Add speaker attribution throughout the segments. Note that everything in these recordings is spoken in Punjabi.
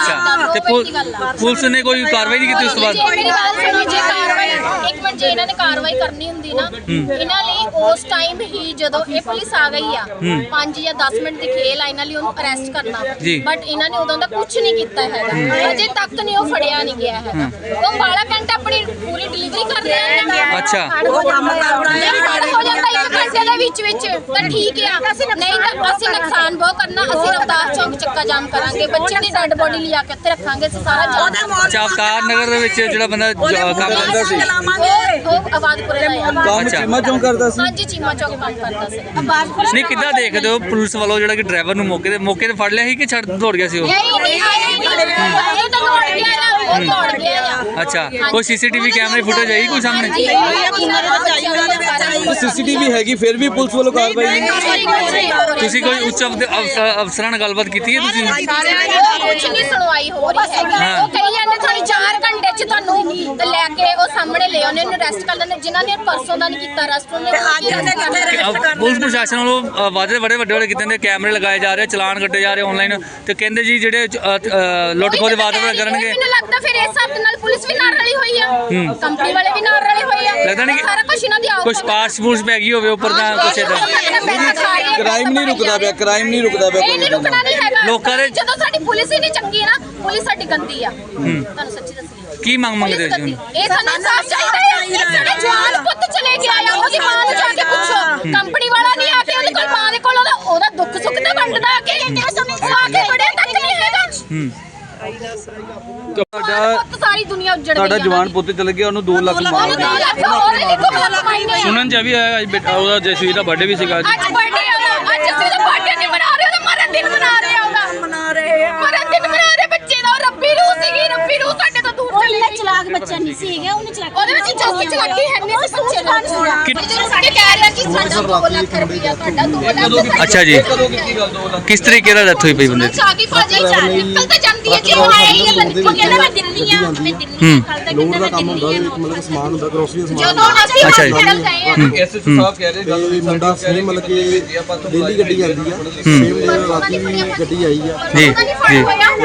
Speaker 1: अच्छा ते पुलिस ने कोई कार्रवाई नहीं की उस तो बाद?
Speaker 2: मेरी बात सुनो जी, कार्रवाई एक मिनट जे इन्होंने कार्रवाई करनी हुंदी ना इन्हां लई उस टाइम ही जदों ये पुलिस आ गई आ 5 या 10 मिनट दी खेल आ इन्हां लई उन्हें अरेस्ट करना, बट इन्हां ने उदों दा कुछ नहीं कीता हैगा, अजे तक नहीं वो फड़िया नहीं गया हैगा। वो 12 घंटे अपनी पूरी डिलीवरी कर रहे हैं।
Speaker 1: अच्छा
Speaker 2: हो जाता एक घंटे दे विच तां ठीक है, नहीं तां असि नुकसान बहुत करना, असि रफ्तार चौक चक्का जाम करांगे, बच्चे दी डेड बॉडी लिया के इत्थे रखांगे, सारा जाम।
Speaker 1: अच्छा अवतार नगर ਦੇ ਵਿੱਚ ਜਿਹੜਾ ਬੰਦਾ ਕੰਮ ਕਰਦਾ ਸੀ
Speaker 2: ਉਹ ਆਬਾਦਪੁਰੇ ਦਾ
Speaker 1: ਅੱਛਾ
Speaker 3: ਚੀਮਾ ਚੌਂਕ ਕਰਦਾ ਸੀ।
Speaker 2: ਹਾਂਜੀ ਚੀਮਾ ਚੌਕ ਕੰਮ ਕਰਦਾ ਸੀ।
Speaker 1: ਨਹੀਂ ਕਿੱਦਾਂ ਦੇਖਦੇ ਹੋ ਪੁਲਿਸ ਵੱਲੋਂ ਜਿਹੜਾ ਕਿ ਡਰਾਈਵਰ ਨੂੰ ਮੌਕੇ ਤੇ ਫੜ ਲਿਆ ਸੀ ਕਿ ਛੱਡ ਦੌੜ ਗਿਆ ਸੀ ਉਹ?
Speaker 2: ਨਹੀਂ ਇਹ ਤਾਂ ਦੌੜ ਗਿਆ ਆ, ਉਹ ਦੌੜ ਗਿਆ ਆ।
Speaker 1: ਅੱਛਾ ਕੋਈ ਸੀਸੀਟੀਵੀ ਕੈਮਰੇ ਫੁਟੇਜ ਆਈ ਕੋਈ ਸਾਹਮਣੇ?
Speaker 3: ਸੀਸੀਟੀਵੀ ਹੈਗੀ ਫਿਰ ਵੀ ਪੁਲਿਸ ਵੱਲੋਂ ਕਾਰਵਾਈ ਨਹੀਂ।
Speaker 1: ਤੁਸੀਂ ਕੋਈ ਉੱਚ ਅਫਸਰਾਂ ਨਾਲ ਗੱਲਬਾਤ ਕੀਤੀ ਹੈ ਤੁਸੀਂ?
Speaker 2: ਕੁਝ ਨਹੀਂ ਸੁਣਵਾਈ ਹੋ ਰਹੀ ਹੈ। ਉਹ ਕਹੀ ਜਾਂਦੇ ਤੁਹਾਨੂੰ 4 ਘੰਟੇ ਚ ਤੁਹਾਨੂੰ ਤੇ ਲੈ ਕੇ ਉਹ ਸਾਹਮਣੇ ਲੈ ਆਉਂਦੇ ਉਹਨੂੰ ਅਰੈਸਟ ਕਰ ਲੈਂਦੇ, ਜਿਨ੍ਹਾਂ ਨੇ ਪਰਸੋਂ ਦਾ ਨਹੀਂ ਕੀਤਾ ਅਰੈਸਟ ਉਹਨੇ
Speaker 1: ਪੁਲਿਸ ਪ੍ਰਸ਼ਾਸਨ ਵੱਲੋਂ ਵਾਅਦੇ ਵੱਡੇ ਕੀਤੇ ਨੇ, ਕੈਮਰੇ ਲਗਾਏ ਜਾ ਰਹੇ, ਚਲਾਨ ਕੱਟੇ ਜਾ ਰਹੇ ਆਨਲਾਈਨ, ਤੇ ਕਹਿੰਦੇ ਜੀ ਜਿਹੜੇ ਲੁੱਟ ਖੋਹ ਦੇ ਵਾਅਦੇ ਕਰਨਗੇ।
Speaker 2: ਮੈਨੂੰ ਲੱਗਦਾ ਫਿਰ ਇਸ ਹੱਥ ਨਾਲ ਪੁਲਿਸ ਵੀ ਨਾਲ ਰਲੀ ਹੋਈ ਆ, ਕੰਪਨੀ ਵਾਲੇ ਵੀ ਨਾਲ ਰਲੇ ਹੋਏ ਆ,
Speaker 1: ਲੱਗਦਾ ਨਹੀਂ
Speaker 2: ਸਾਰਾ ਕੁਝ ਇਹਨਾਂ ਦੀ ਆਪ
Speaker 1: ਕੁਝ ਪਾਸ ਪੂਸ ਪੈ ਗਈ ਹੋਵੇ ਉੱਪਰ ਦਾ ਕੁਛ ਇਹਦਾ।
Speaker 3: ਕ੍ਰਾਈਮ ਨਹੀਂ ਰੁਕਦਾ ਪਿਆ, ਕ੍ਰਾਈਮ ਨਹੀਂ ਰੁਕਦਾ ਪਿਆ।
Speaker 2: ਇਹ ਨਹੀਂ ਰੁਕਣਾ ਨਹੀਂ ਹੈਗਾ
Speaker 1: ਲੋਕਾਂ ਦੇ
Speaker 2: ਜਦੋਂ ਸਾਡੀ ਪੁਲਿਸ ਹੀ ਨਹੀਂ ਚੰਗੀ ਨਾ, ਪੁਲਿਸ ਸਾਡੀ ਗੰਦੀ ਆ। ਤੁਹਾਨੂੰ ਸੱਚੀ ਦੱਸੀ
Speaker 1: ਕੀ ਮੰਗਦੇ ਹੋ ਜੀ?
Speaker 2: ਇਹ ਸਾਨੂੰ ਇਨਸਾਫ ਚਾਹੀਦਾ ਹੈ। ਸਾਡੇ ਜਵਾਨ ਪੁੱਤ ਚਲੇ ਗਿਆ ਆ, ਉਹਦੀ ਮਾਂ ਨੂੰ ਜਾ ਕੇ ਪੁੱਛੋ, ਕੰਪਨੀ ਵਾਲਾ ਨਹੀਂ ਆ ਕੇ ਉਹਦੇ ਕੋਲ ਮਾਂ ਦੇ ਕੋਲ ਉਹਦਾ ਦੁੱਖ ਸੁੱਖ ਤਾਂ ਵੰਡਦਾ ਆ ਕੇ ਬੜੇ ਤੱਕ ਨਹੀਂ ਹੈਗਾ। ਸਾਰੀ ਦੁਨੀਆ ਉੱਜੜ ਗਈ।
Speaker 3: ਤੁਹਾਡਾ ਜਵਾਨ ਪੁੱਤ ਚਲ ਗਿਆ, ਉਹਨੂੰ 2 ਲੱਖ ਮਾਰ
Speaker 2: ਸੁਣਨ
Speaker 1: ਚ ਵੀ ਆਇਆ ਅੱਜ ਬੇਟਾ ਉਹਦਾ ਜਸਵੀਰ ਦਾ ਬਰਥਡੇ ਵੀ ਸੀਗਾ
Speaker 2: ਅੱਜ ਬਰਥਡੇ ਆ, ਅੱਜ ਅਸੀਂ ਉਹਦਾ ਬਰਥਡੇ ਨਹੀਂ ਮਨਾ ਰਹੇ, ਉਹਦਾ ਮਰਨ ਦਿਨ ਮਨਾ ਰਹੇ ਆ, ਉਹਦਾ ਮਰਨ ਦਿਨ ਮਨਾ ਰਹੇ ਬੱਚੇ ਦਾ। ਰੱਬੀ ਰੂਹ ਸੀਗੀ, ਰੱਬੀ ਰੂਹ ਸਾਡੇ ਤੋਂ ਦੂਰ ਚਲੀ ਗਈ।
Speaker 4: ਚਲਾਕ ਬੱਚਾ ਨਹੀਂ ਸੀਗਾ, ਉਹਨੇ ਚਲਾਕ
Speaker 2: ਉਹਦੇ ਵਿੱਚ ਚੌਕੀ ਚਲਾਕੀ ਹੈ ਨਹੀਂ ਸੀ ਬੱਚੇ ਨਾਲ। ਜਿਹੜੇ ਸਾਡੇ ਕਹਿ ਰਹੇ ਕਿ ਸਾਡਾ 2 ਲੱਖ ਰੁਪਇਆ ਤੁਹਾਡਾ 2 ਲੱਖ।
Speaker 1: ਅੱਛਾ ਜੀ ਕਿਸ ਤਰੀਕੇ ਦਾ ਡੈਥ ਹੋਈ ਪਈ ਬੰਦੇ ਦੀ?
Speaker 2: ਸਾਗੀ ਭਾਜੀ ਨਿਕਲ ਤਾਂ ਜਾਂਦੀ ਹੈ ਜੀ, ਉਹ ਆਈ ਹੈ ਤਾਂ ਨਿਕਲ ਕੇ ਮੈਂ ਦਿੱਲੀ ਆ, ਮੈਂ ਦਿੱਲੀ ਕੱਲ ਤੱਕ
Speaker 3: ਲੋਡ ਦਾ ਕੰਮ ਹੁੰਦਾ, ਮਤਲਬ ਸਮਾਨ ਹੁੰਦਾ, ਗਰੋਸਰੀ ਦਾ ਸਮਾਨ।
Speaker 2: ਜਦੋਂ ਅਸੀਂ
Speaker 1: ਅੱਛਾ ਜੀ।
Speaker 2: ਹਸਪੀਟਲ ਗਏ ਆ
Speaker 3: ਐਸਐਸਪੀ ਸਾਹਿਬ ਕਹਿ ਰਹੇ ਗੱਲ ਮੁੰਡਾ ਸੇਮ ਮਤਲਬ ਕਿ ਦਿੱਲੀ ਗੱਡੀ ਜਾਂਦੀ ਆ, ਸੇਮ ਰਾਤੀ ਗੱਡੀ ਆਈ ਆ
Speaker 1: ਜੀ ਜੀ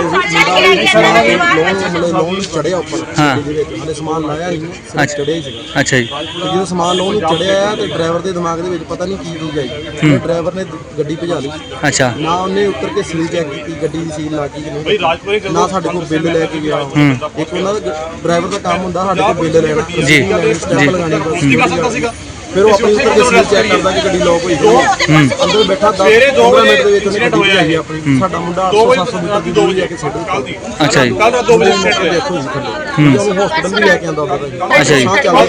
Speaker 3: ਲੋਨ ਚੜਿਆ ਉੱਪਰ
Speaker 1: ਹਾਂ।
Speaker 3: ਦੇ ਵਿੱਚ ਹਲੇ ਸਮਾਨ ਲਾਇਆ ਨਹੀਂ, ਸਿਰਫ ਚੜਿਆ ਹੀ ਸੀਗਾ।
Speaker 1: ਅੱਛਾ ਜੀ
Speaker 3: ਜਦੋਂ ਸਮਾਨ ਲੋਨ ਨੂੰ ਚੜਿਆ ਆ ਤੇ ਡਰਾਈਵਰ ਦੇ ਦਿਮਾਗ ਦੇ ਵਿੱਚ ਪਤਾ ਨਹੀਂ ਕੀ ਚੀਜ਼ ਆਈ, ਡਰਾਈਵਰ ਨੇ ਗੱਡੀ ਭਜਾ ਲਈ।
Speaker 1: ਅੱਛਾ
Speaker 3: ਨਾ ਉਹਨੇ ਉੱਤਰ ਕੇ ਸੀਲ ਚੈੱਕ ਕੀਤੀ, ਗੱਡੀ ਦੀ ਸੀਲ ਲੱਗੀ ਕਿ ਨਹੀਂ, ਨਾ ਸਾਡੇ ਕੋਲ ਬਿੱਲ ਲੈ ਕੇ ਗਿਆ। ਇੱਕ ਉਹਨਾਂ ਦਾ ਡਰਾਈਵਰ ਦਾ ਕੰਮ ਹੁੰਦਾ ਸਾਡੇ ਕੋਲ ਬਿੱਲ ਲੈਣਾ,
Speaker 1: ਜੀ
Speaker 3: ਸਟੈਂਪ ਲਗਾਉਣੀ ਬਸ। ਫਿਰ ਉਹ ਆਪਣੀ ਉੱਤਰ ਕੇ ਸੀਲ ਚੈੱਕ ਕਰਦਾ ਕਿ ਗੱਡੀ ਲੋਕ ਹੋਈ ਹੋਈ ਹੈ। ਅੰਦਰ ਬੈਠਾ 10-15 ਮਿੰਟ ਦੇ ਵਿੱਚ ਉਹਨੇ ਗੱਡੀ ਭਜਾਈ ਆਪਣੀ। ਸਾਡਾ ਮੁੰਡਾ 800-700 ਮੀਟਰ ਦੀ ਦੂਰੀ ਲੈ ਕੇ ਛੱਡ ਗਿਆ।
Speaker 1: ਅੱਛਾ ਜੀ
Speaker 3: ਕੱਲ 2 ਵਜੇ ਦੇਖੋ ਜੀ ਥੱਲੇ ਉਹ ਹਸਪੀਟਲ ਵੀ ਲੈ ਕੇ ਆਂਦਾ ਉਹਦਾ
Speaker 1: ਅੱਛਾ ਜੀ।
Speaker 3: ਕੱਲ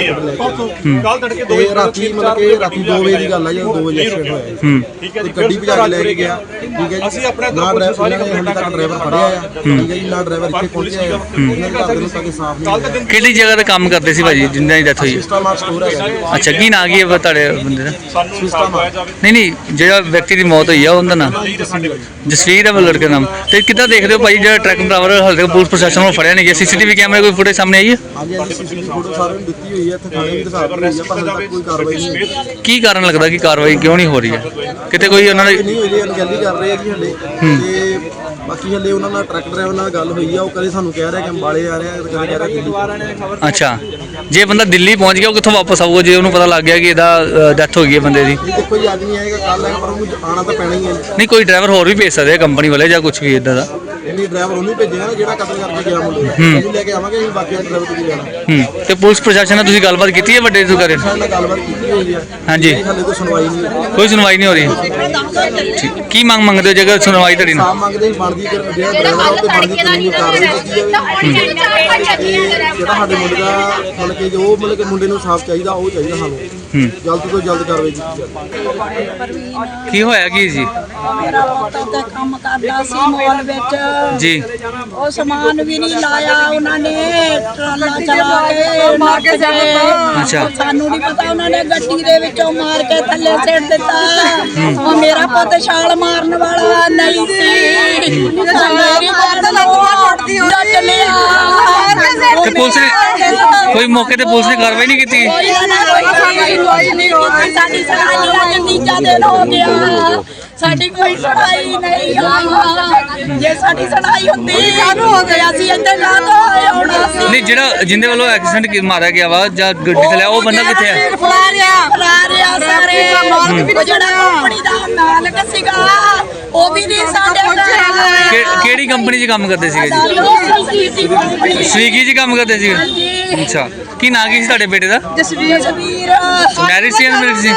Speaker 3: ਤੜਕੇ 2 ਵਜੇ ਰਾਤੀ ਮਤਲਬ ਕਿ ਰਾਤੀ 2 ਵਜੇ ਦੀ ਗੱਲ ਆ ਜਦੋਂ 2 ਵਜੇ ਐਕਸੀਡੈਂਟ ਹੋਇਆ। ਠੀਕ ਹੈ ਜੀ, ਗੱਡੀ ਭਜਾ ਕੇ ਲੈ ਕੇ ਗਿਆ। ਠੀਕ ਹੈ ਜੀ, ਅਸੀਂ ਆਪਣਾ ਨਾ ਡਰਾਈਵਰ ਨੇ ਹਾਲੇ ਤੱਕ ਡਰਾਈਵਰ ਫੜਿਆ ਆ। ਠੀਕ ਹੈ ਜੀ, ਨਾ ਡਰਾਈਵਰ ਇੱਥੇ ਪਹੁੰਚਿਆ ਆ। ਉਹਨਾਂ ਦੇ ਘਰ ਦੇ ਨੂੰ ਤੱਕ ਸਾਫ਼ ਨਹੀਂ ਹੋਇਆ।
Speaker 1: ਕਿਹੜੀ ਜਗ੍ਹਾ ਤੇ ਕੰਮ ਕਰਦੇ ਸੀ ਭਾਜੀ ਜਿੰਨਾਂ ਦੀ ਡੈਥ ਹੋਈ?
Speaker 3: ਸਿਸਟਮ ਮਾਰਕ ਸਟੋਰ ਹੈਗਾ ਜੀ।
Speaker 1: ਅੱਛਾ ਕੀ ਨਾਂ ਕੀ ਹੈ ਤੁਹਾਡੇ ਬੰਦੇ ਦਾ?
Speaker 3: ਸਿਸਟਮ ਮਾਰਕ
Speaker 1: ਨਹੀਂ ਜਿਹੜਾ ਵਿਅਕਤੀ ਦੀ ਮੌਤ ਹੋਈ ਆ ਉਹਦਾ ਨਾਮ? ਜਸਵੀਰ ਹੈ ਉਹ ਲੜਕੇ ਦਾ ਨਾਮ। ਤੇ ਕਿੱਦਾਂ ਦੇਖਦੇ ਹੋ ਭਾਈ ਜਿਹੜਾ ਟਰੱਕ ਡਰਾਈਵਰ ਹਾਲੇ ਤੱਕ ਪੁਲਿਸ ਪ੍ਰਸ਼ਾਸਨ ਵੱਲੋਂ ਫੜਿਆ ਨਹੀਂ ਗਿਆ? ਸੀਸੀਟੀਵੀ ਕੈਮਰੇ ਕੋਈ ਫੁਟੇਜ ਸਾਹਮਣੇ ਆਈ ਹੈ?
Speaker 3: ਹਾਂਜੀ ਹਾਂਜੀ ਸੀਸੀਟੀਵੀ ਫੋਟੋ ਸਾਰਿਆਂ ਨੂੰ ਦਿੱਤੀ ਹੋਈ ਹੈ, ਇੱਥੇ ਥਾਣੇ ਵੀ ਦਿਖਾ ਦਿੱਤੀ ਹੋਈ ਹੈ, ਪਰ ਹਾਲੇ ਤੱਕ ਕੋਈ ਕਾਰਵਾਈ ਨਹੀਂ ਹੋਈ।
Speaker 1: ਕੀ ਕਾਰਨ ਲੱਗਦਾ ਕਿ ਕਾਰਵਾਈ ਕਿਉਂ ਨਹੀਂ ਹੋ ਰਹੀ ਹੈ? ਕਿਤੇ ਕੋਈ ਉਹਨਾਂ ਨੇ
Speaker 3: ਨਹੀਂ ਹੋਈ ਜੀ, ਅਣਗਹਿਲੀ ਕਰ ਰਹੇ ਆ ਜੀ ਹਲੇ। ਤੇ ਬਾਕੀ ਹਲੇ ਉਹਨਾਂ ਨਾਲ ਟਰੱਕ ਡਰਾਈਵਰ ਨਾਲ ਗੱਲ ਹੋਈ ਆ, ਉਹ ਕਦੇ ਸਾਨੂੰ ਕਹਿ ਰਿਹਾ ਕਿ ਅੰਬਾਲੇ ਆ ਰਿਹਾ, ਕਦੇ ਕਹਿ ਰਿਹਾ ਦਿੱਲੀ।
Speaker 1: ਅੱਛਾ ਜੇ ਬੰਦਾ ਦਿੱਲੀ ਪਹੁੰਚ ਗਿਆ ਉਹ ਕਿੱਥੋਂ ਵਾਪਸ ਆਊਗਾ ਜੇ ਉਹਨੂੰ ਪਤਾ ਲੱਗ ਗਿਆ ਕਿ ਇਹਦਾ ਡੈਥ ਹੋ ਗਈ ਹੈ ਬੰਦੇ ਦੀ?
Speaker 3: ਇਹ ਦੇਖੋ ਜੀ ਅੱਜ ਨਹੀਂ ਆਏਗਾ ਕੱਲ ਆਏਗਾ, ਪਰ ਉਹਨੂੰ ਆਉਣਾ ਤਾਂ ਪੈਣਾ ਹੀ ਹੈ।
Speaker 1: ਨਹੀਂ ਕੋਈ ਡਰਾਈਵਰ ਹੋਰ ਵੀ ਭੇਜ ਸਕਦੇ ਆ ਕੰਪਨੀ ਵਾਲੇ ਜਾਂ ਕੁਝ ਵੀ ਇਦਾਂ ਦਾ?
Speaker 3: ਨਹੀਂ ਡਰਾਈਵਰ ਉਹਨੂੰ ਭੇਜਿਆ ਨਾ ਜਿਹੜਾ ਕਤਲ ਕਰਕੇ ਗਿਆ ਮੁੰਡੇ ਦਾ, ਉਹਨੂੰ ਲੈ ਕੇ ਆਵਾਂਗੇ ਅਸੀਂ, ਬਾਕੀ ਡਰਾਈਵਰ ਤੇ ਜਾਣਾ।
Speaker 1: ਤੇ ਪੁਲਿਸ ਪ੍ਰਸ਼ਾਸਨ ਨਾਲ ਤੁਸੀਂ ਗੱਲਬਾਤ ਕੀਤੀ ਹੈ ਵੱਡੇ ਅਧਿਕਾਰੀ ਨਾਲ?
Speaker 3: ਸਾਡੇ ਨਾਲ ਗੱਲਬਾਤ ਕੀਤੀ ਹੋਈ ਆ।
Speaker 1: ਹਾਂਜੀ
Speaker 3: ਹਾਲੇ ਕੋਈ ਸੁਣਵਾਈ ਨਹੀਂ ਹੋਈ।
Speaker 1: ਕੋਈ ਸੁਣਵਾਈ ਨਹੀਂ ਹੋ ਰਹੀ। ਠੀਕ। ਕੀ ਮੰਗਦੇ ਹੋ ਜੇਕਰ ਸੁਣਵਾਈ ਤੁਹਾਡੀ ਨਾ?
Speaker 3: ਸਾਹ ਮੰਗਦੇ ਹੀ ਬਣਦੀ ਜਿਹੜਾ ਡਰਾਈਵਰ ਉਹ ਤੇ ਬਣਦੀ ਕਾਨੂੰਨੀ ਕਾਰਵਾਈ ਕੀਤੀ ਜਾਵੇ। ਜਿਹੜਾ ਸਾਡੇ ਮੁੰਡੇ ਦਾ ਮਤਲਬ ਕਿ ਜੋ ਮਤਲਬ ਕਿ ਮੁੰਡੇ ਨੂੰ ਸਾਫ਼ ਚਾਹੀਦਾ ਉਹ ਚਾਹੀਦਾ ਸਾਨੂੰ, ਜਲਦ ਤੋਂ ਜਲਦ ਕਾਰਵਾਈ ਕੀਤੀ ਜਾਵੇ।
Speaker 1: ਕੀ ਹੋਇਆ ਕੀ ਜੀ?
Speaker 4: ਮੇਰਾ ਪੁੱਤ ਤੇ ਕੰਮ ਕਰਦਾ ਸੀ ਮਾਲ ਵਿੱਚ
Speaker 1: ਜੀ
Speaker 4: ਉਹ ਸਮਾਨ ਵੀ ਨਹੀਂ ਲਾਇਆ ਉਹਨਾਂ ਨੇ, ਟਰਾਲਾ ਚਲਾ ਕੇ ਮਾਰ ਕੇ
Speaker 1: ਅੱਛਾ।
Speaker 4: ਸਾਨੂੰ ਨਹੀਂ ਪਤਾ ਉਹਨਾਂ ਨੇ ਗੱਡੀ ਦੇ ਵਿੱਚੋਂ ਮਾਰ ਕੇ ਥੱਲੇ ਸਿੱਟ ਦਿੱਤਾ। ਉਹ ਮੇਰਾ ਪੁੱਤ ਛਾਲ ਮਾਰਨ ਵਾਲਾ ਨਹੀਂ ਸੀ, ਮੇਰੀ ਪੁੱਤ ਲੱਤਾਂ ਟੁੱਟਦੀ ਹੋਈ।
Speaker 1: ਤੇ ਪੁਲਿਸ ਨੇ ਕੋਈ ਮੌਕੇ ਤੇ ਪੁਲਿਸ ਨੇ ਕਾਰਵਾਈ ਨਹੀਂ ਕੀਤੀ?
Speaker 4: ਸਾਡੀ ਸੁਣਾਈ ਅੱਜ ਤੀਜਾ ਦਿਨ ਹੋ ਗਿਆ, ਸਾਡੀ ਕੋਈ ਸੁਣਾਈ ਨਹੀਂ ਆ। ਜੇ ਸਾਡੀ ਸੁਣਾਈ ਹੁੰਦੀ ਕਾਹਨੂੰ ਹੋ ਗਿਆ ਸੀ ਇੱਥੇ ਨਾ ਤਾਂ ਆਉਣਾ ਸੀ।
Speaker 1: ਨਹੀਂ, ਜਿਹੜਾ ਜਿੰਦੇ ਵੱਲੋਂ ਐਕਸੀਡੈਂਟ ਮਾਰਿਆ ਗਿਆ ਵਾ ਜਾਂ ਗੱਡੀ ਚਲਾਇਆ, ਉਹ ਬੰਦਾ ਕਿੱਥੇ ਹੈ?
Speaker 4: ਫਰਾਰਿਆ ਸਾਰੇ ਉਹ ਜਿਹੜਾ ਕੰਪਨੀ ਦਾ ਮਾਲਕ ਸੀਗਾ ਉਹ ਵੀ ਨਹੀਂ ਸਾਡੇ
Speaker 1: ਕਿਹੜੀ ਕੰਪਨੀ 'ਚ ਕੰਮ ਕਰਦੇ ਸੀਗੇ ਜੀ? ਸਵੀਗੀ 'ਚ ਕੰਮ ਕਰਦੇ ਸੀਗੇ। ਅੱਛਾ, ਕੀ ਨਾਂ ਕੀ ਸੀ ਤੁਹਾਡੇ ਬੇਟੇ ਦਾ?
Speaker 4: ਜਸਵੀਰ
Speaker 1: ਮੈਰਿਜ ਸੀ ਅਨਮੈਰਿਜ ਸੀ?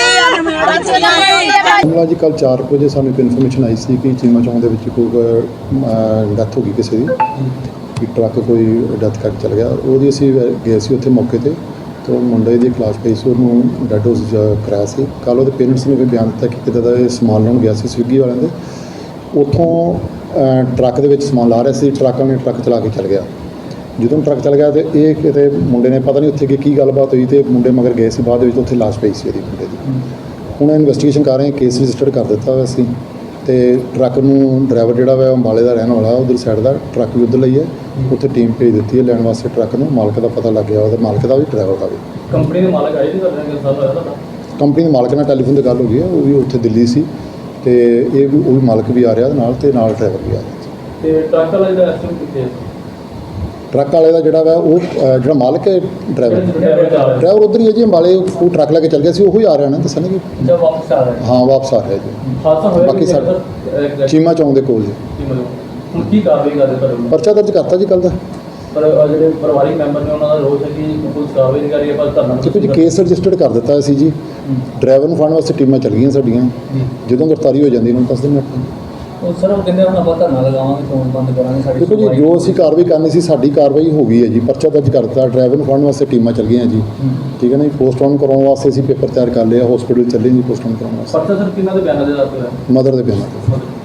Speaker 5: ਮਾਮਲਾ ਜੀ ਕੱਲ੍ਹ 4 ਵਜੇ ਸਾਨੂੰ ਇੱਕ ਇਨਫੋਰਮੇਸ਼ਨ ਆਈ ਸੀ ਕਿ ਚੀਮਾ ਚੌਂਕ ਦੇ ਵਿੱਚ ਕੋਈ ਡੈਥ ਹੋ ਗਈ ਕਿਸੇ ਦੀ, ਕਿ ਟਰੱਕ ਕੋਈ ਡੈਥ ਕਰਕੇ ਚਲ ਗਿਆ। ਉਹਦੀ ਅਸੀਂ ਗਏ ਸੀ ਉੱਥੇ ਮੌਕੇ ਤੇ, ਤੇ ਉਹ ਮੁੰਡੇ ਦੀ ਕਲਾਸ ਪਈ ਸੀ, ਉਹਨੂੰ ਡੈਡ ਹਾਊਸ ਕਰਾਇਆ ਸੀ। ਕੱਲ੍ਹ ਉਹਦੇ ਪੇਰੈਂਟਸ ਨੇ ਵੀ ਬਿਆਨ ਦਿੱਤਾ ਕਿ ਕਿਤੇ ਦਾ ਇਹ ਸਮਾਨ ਲੈਣ ਗਿਆ ਸੀ ਸਵਿਗੀ ਵਾਲਿਆਂ ਦੇ, ਉੱਥੋਂ ਟਰੱਕ ਦੇ ਵਿੱਚ ਸਮਾਨ ਲਾ ਰਿਹਾ ਸੀ, ਟਰੱਕ ਵਾਲੇ ਨੇ ਟਰੱਕ ਚਲਾ ਕੇ ਚਲ ਗਿਆ। ਜਦੋਂ ਟਰੱਕ ਚਲ ਗਿਆ ਤੇ ਇਹ ਕਿਤੇ ਮੁੰਡੇ ਨੇ ਪਤਾ ਨਹੀਂ ਉੱਥੇ ਕੀ ਗੱਲਬਾਤ ਹੋਈ ਤੇ ਮੁੰਡੇ ਮਗਰ ਗਏ ਸੀ, ਬਾਅਦ ਦੇ ਵਿੱਚ ਉੱਥੇ ਲਾਸ਼ ਪਈ ਸੀ ਉਹਦੀ ਮੁੰਡੇ ਦੀ। ਹੁਣ ਇਨਵੈਸਟੀਗੇਸ਼ਨ ਕਰ ਰਹੇ ਹਾਂ, ਕੇਸ ਰਜਿਸਟਰਡ ਕਰ ਦਿੱਤਾ ਹੋਇਆ ਸੀ ਤੇ ਟਰੱਕ ਨੂੰ ਡਰਾਈਵਰ ਜਿਹੜਾ ਵਾ ਅੰਬਾਲੇ ਦਾ ਰਹਿਣ ਵਾਲਾ, ਉਧਰ ਸਾਈਡ ਦਾ ਟਰੱਕ ਵੀ ਉੱਧਰ ਲਈ ਹੈ, ਉੱਥੇ ਟੀਮ ਭੇਜ ਦਿੱਤੀ ਹੈ ਲੈਣ ਵਾਸਤੇ ਟਰੱਕ ਨੂੰ। ਮਾਲਕ ਦਾ ਪਤਾ ਲੱਗ ਗਿਆ, ਉਹਦੇ ਮਾਲਕ ਦਾ ਵੀ ਡਰਾਈਵਰ ਦਾ ਵੀ।
Speaker 6: ਕੰਪਨੀ ਦੇ ਮਾਲਕ ਆਏ ਸੀ ਤੁਹਾਡੇ?
Speaker 5: ਕੰਪਨੀ ਦੇ ਮਾਲਕ ਨਾਲ ਟੈਲੀਫੋਨ ਤੇ ਗੱਲ ਹੋ ਗਈ ਹੈ, ਉਹ ਵੀ ਉੱਥੇ ਦਿੱਲੀ ਸੀ ਤੇ ਉਹ ਵੀ ਮਾਲਕ ਵੀ ਆ ਰਿਹਾ ਨਾਲ ਤੇ ਨਾਲ ਡਰਾਈਵਰ ਵੀ ਆ ਰਿਹਾ।
Speaker 6: ਤੇ ਟਰੱਕ ਵਾਲਾ ਜਿਹੜਾ ਐਕਸੀਡੈਂਟ ਕਿੱਥੇ?
Speaker 5: ਟਰੱਕ ਵਾਲੇ ਦਾ ਜਿਹੜਾ ਵਾ ਉਹ ਜਿਹੜਾ ਮਾਲਕ ਹੈ ਡਰਾਈਵਰ ਉੱਧਰ ਹੀ ਹੈ ਜੀ, ਅੰਬਾਲੇ ਉਹ ਟਰੱਕ ਲੈ ਕੇ ਚੱਲ ਗਿਆ ਸੀ, ਉਹੀ ਆ ਰਿਹਾ ਨਾ ਦੱਸਣ ਕਿ
Speaker 6: ਜਦ ਵਾਪਸ ਆ ਰਿਹਾ?
Speaker 5: ਹਾਂ ਵਾਪਸ ਆ ਰਿਹਾ ਜੀ।
Speaker 6: ਹਾਦਸਾ ਹੋਇਆ
Speaker 5: ਬਾਕੀ
Speaker 6: ਸਾਡਾ
Speaker 5: ਚੀਮਾ ਚੌਂਕ ਦੇ ਕੋਲ ਜੀ।
Speaker 6: ਹੁਣ ਕੀ ਕਾਰਵਾਈ ਕਰਦੇ ਤੁਹਾਡੇ?
Speaker 5: ਪਰਚਾ ਦਰਜ ਕਰਤਾ ਜੀ ਕੱਲ੍ਹ ਦਾ।
Speaker 6: ਪਰ ਜਿਹੜੇ ਪਰਿਵਾਰਿਕ ਮੈਂਬਰ ਨੇ ਉਹਨਾਂ ਦਾ ਰੋਸ ਹੈ ਕਿ ਪੁਲਿਸ ਕਾਰਵਾਈ ਨਹੀਂ ਕਰ ਰਹੀ ਹੈ, ਪਰ ਧਰਨਾ
Speaker 5: ਦੇਖੋ ਜੀ ਕੇਸ ਰਜਿਸਟਰਡ ਕਰ ਦਿੱਤਾ ਸੀ ਜੀ। ਡਰਾਈਵਰ ਨੂੰ ਫੜਨ ਵਾਸਤੇ ਟੀਮਾਂ ਚੱਲ ਗਈਆਂ ਸਾਡੀਆਂ, ਜਦੋਂ ਗ੍ਰਿਫਤਾਰੀ ਹੋ ਜਾਂਦੀ ਉਹਨਾਂ ਨੂੰ ਦੱਸ ਦਿੰਦੇ ਆਪਾਂ।
Speaker 6: ਉਹ ਸਰ ਉਹ ਕਹਿੰਦੇ ਹੁਣ ਆਪਾਂ ਧਰਨਾ ਲਗਾਵਾਂਗੇ, ਫੋਨ ਬੰਦ ਕਰਾਂਗੇ ਸਾਡੀ।
Speaker 5: ਦੇਖੋ ਜੀ ਜੋ ਅਸੀਂ ਕਾਰਵਾਈ ਕਰਨੀ ਸੀ ਸਾਡੀ ਕਾਰਵਾਈ ਹੋ ਗਈ ਹੈ ਜੀ, ਪਰਚਾ ਦਰਜ ਕਰ ਦਿੱਤਾ, ਡਰਾਈਵਰ ਨੂੰ ਫੜਨ ਵਾਸਤੇ ਟੀਮਾਂ ਚੱਲ ਗਈਆਂ ਜੀ। ਠੀਕ ਹੈ ਨਾ ਜੀ, ਪੋਸਟਮਾਰਟਮ ਕਰਾਉਣ ਵਾਸਤੇ ਅਸੀਂ ਪੇਪਰ ਤਿਆਰ ਕਰ ਲਿਆ, ਹਸਪੀਟਲ ਚੱਲੇ ਜੀ ਪੋਸਟਮਾਰਟਮ ਕਰਾਉਣ ਵਾਸਤੇ।
Speaker 6: ਪਰਚਾ ਸਰ ਕਿਹਨਾਂ ਦੇ ਬਿਆਨਾਂ ਦੇ ਆਧਾਰ ਤੇ?
Speaker 5: ਮਦਰ ਦੇ ਬਿਆਨਾਂ ਤੇ।